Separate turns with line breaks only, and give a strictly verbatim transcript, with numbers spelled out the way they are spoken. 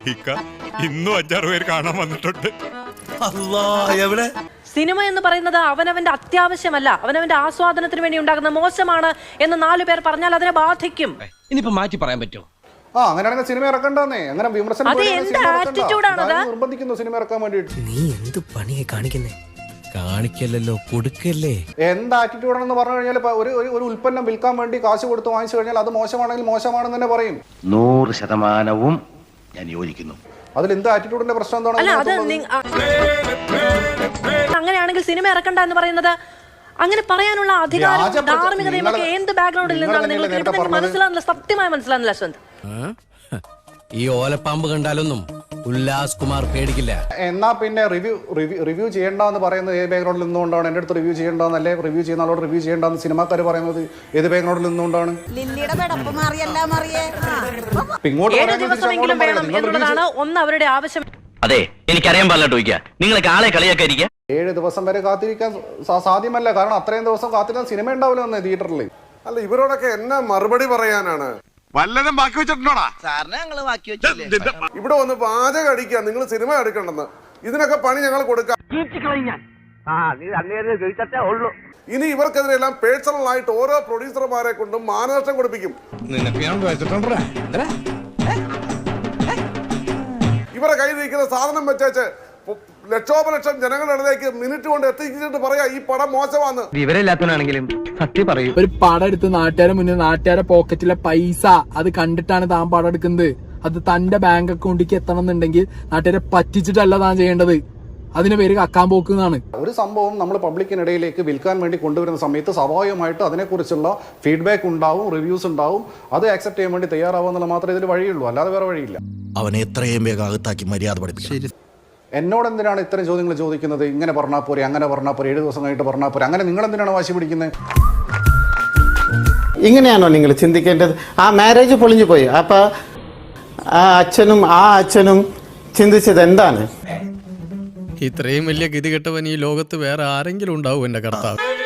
ഇന്നും അഞ്ചാറ് പേര് കാണാൻ വന്നിട്ടുണ്ട്.
എവിടെ
സിനിമ എന്ന് പറയുന്നത് അവനവന്റെ അത്യാവശ്യമല്ല, അവനവന്റെ ആസ്വാദനത്തിന് വേണ്ടി ഉണ്ടാകുന്ന മോശമാണ് എന്ന് നാലു പേർ പറഞ്ഞാൽ അതിനെ ബാധിക്കും.
ഇനിയിപ്പോ മാറ്റി പറയാൻ പറ്റുമോ?
ആ അങ്ങനെയാണെങ്കിൽ സിനിമ ഇറക്കണ്ടെന്നേ. അങ്ങനെ വിമർശനം നിർബന്ധിക്കുന്നു സിനിമ ഇറക്കാൻ വേണ്ടിയിട്ട്.
നീ എന്ത് പണിയെ കാണിക്കുന്നേ? കാണിക്കല്ലോ, കൊടുക്കല്ലേ.
എന്ത് ആറ്റിറ്റ്യൂഡാണെന്ന് പറഞ്ഞു കഴിഞ്ഞാൽ ഒരു ഒരു ഉൽപ്പന്നം വിൽക്കാൻ വേണ്ടി കാശ് കൊടുത്ത് വാങ്ങിച്ചു കഴിഞ്ഞാൽ അത് മോശമാണെങ്കിൽ മോശമാണെന്ന് തന്നെ പറയും.
നൂറ് ശതമാനവും ഞാൻ യോജിക്കുന്നു.
അതിൽ എന്ത് ആറ്റിറ്റ്യൂഡിന്റെ പ്രശ്നം എന്താണ്?
അങ്ങനെയാണെങ്കിൽ സിനിമ ഇറക്കണ്ട എന്ന് പറയുന്നത്, അങ്ങനെ പറയാനുള്ള അധികാരം ധാർമ്മികതയും ഒക്കെ എന്ത് ബാക്ക്ഗ്രൗണ്ടിൽ നിന്നാണ് നിങ്ങൾക്ക് കിട്ടുന്നത് മനസ്സിലാകുന്നില്ല. സത്യമായി മനസ്സിലാകുന്നില്ല അശ്വന്ത്.
ഈ ഓലപ്പാമ്പ് കണ്ടാലൊന്നും ഉല്ലാസ് കുമാർ പേടിക്കില്ല.
എന്നാ പിന്നെ റിവ്യൂ റിവ്യൂ റിവ്യൂ ചെയ്യേണ്ടെന്ന് പറയുന്നത് ഏത് ബാക്ക്ഗ്രൗണ്ടിൽ നിന്നുകൊണ്ടാണ്? എന്റെ അടുത്ത് റിവ്യൂ ചെയ്യേണ്ടെന്നല്ലേ റിവ്യൂ ചെയ്യുന്ന ആളോട് റിവ്യൂ ചെയ്യേണ്ടെന്ന് സിനിമാക്കാർ പറയുന്നത് ഏത് ബാക്ക്ഗ്രൗണ്ടിൽ നിന്നുകൊണ്ടാണ്?
ഒന്ന് അവരുടെ ആവശ്യം.
അതെ, എനിക്കറിയാൻ പാടില്ല ചോദിക്കുക. നിങ്ങൾക്ക് ആളെ കളിയാക്കാതിരിക്കുക.
ഏഴ് ദിവസം വരെ കാത്തിരിക്കാൻ സാധ്യമല്ല. കാരണം അത്രയും ദിവസം കാത്തിരിക്കാൻ സിനിമ ഉണ്ടാവില്ല എന്ന് തിയേറ്ററിൽ.
അല്ല, ഇവരോടൊക്കെ എന്നാ മറുപടി പറയാനാണ്?
വല്ലതും ബാക്കി വെച്ചിട്ടുണ്ടോടാ?
ഇവിടെ വന്ന് പാചകം അടിക്കുക, നിങ്ങൾ സിനിമ എടുക്കണ്ടെന്ന്. ഇതിനൊക്കെ പണി ഞങ്ങൾ കൊടുക്കാം. ഇനി ഇവർക്കെതിരെല്ലാം പേഴ്സണൽ ആയിട്ട് ഓരോ പ്രൊഡ്യൂസർമാരെ കൊണ്ടും മാനനഷ്ടം കൊടുപ്പിക്കും. ഇവരെ കയ്യിൽ ഇരിക്കുന്ന സാധനം വെച്ചേച്ച് ലക്ഷോപലക്ഷം ജനങ്ങളുടെ ഇടയിലേക്ക് മിനിറ്റ് കൊണ്ട് എത്തിച്ചിട്ട് പറയാ ഈ പടം മോശമാണെന്ന്.
വിവരമില്ലാത്തവനാണെങ്കിലും സത്യം പറയൂ.
ഒരു പടം എടുത്ത് നാട്ടുകാരെ മുന്നിൽ നാട്ടുകാരെ പോക്കറ്റിലെ പൈസ അത് കണ്ടിട്ടാണ് താൻ പടം എടുക്കുന്നത്. അത് തന്റെ ബാങ്ക് അക്കൗണ്ടിലേക്ക് എത്തണം എന്നുണ്ടെങ്കിൽ നാട്ടുകാരെ പറ്റിച്ചിട്ടല്ല താൻ ചെയ്യേണ്ടത്. അതിന് പേര് കക്കാൻ പോക്കുന്നതാണ്.
ഒരു സംഭവം നമ്മൾ പബ്ലിക്കിനിടയിലേക്ക് വിൽക്കാൻ വേണ്ടി കൊണ്ടുവരുന്ന സമയത്ത് സ്വാഭാവികമായിട്ട് അതിനെക്കുറിച്ചുള്ള ഫീഡ്ബാക്ക് ഉണ്ടാവും, റിവ്യൂസ് ഉണ്ടാവും. അത് ആക്സെപ്റ്റ് ചെയ്യാൻ വേണ്ടി തയ്യാറാവുന്നുള്ള മാത്രമേ ഇതിൽ വഴിയുള്ളൂ, അല്ലാതെ വേറെ വഴിയില്ല.
അവനെ എത്രയും വേഗം അകത്താക്കി മര്യാദ പഠിപ്പിക്കും.
എന്നോട് എന്തിനാണ് ഇത്തരം ചോദ്യങ്ങൾ ചോദിക്കുന്നത്? ഇങ്ങനെ പറഞ്ഞാൽ പോരെ, അങ്ങനെ പറഞ്ഞാൽ പോരെ, ഏഴ് ദിവസം കഴിഞ്ഞിട്ട് പറഞ്ഞാൽ പോരെ, അങ്ങനെ നിങ്ങൾ എന്തിനാണ് വാശി പിടിക്കുന്നത്?
ഇങ്ങനെയാണോ നിങ്ങൾ ചിന്തിക്കേണ്ടത്? ആ മാരേജ് പൊളിഞ്ഞു പോയി. അപ്പൊ ആ അച്ഛനും ആ അച്ഛനും ചിന്തിച്ചത് എന്താണ്?
ഇത്രയും വലിയ ഗതികെട്ടവൻ ഈ ലോകത്ത് വേറെ ആരെങ്കിലും ഉണ്ടാവും എന്റെ കർത്താവ്?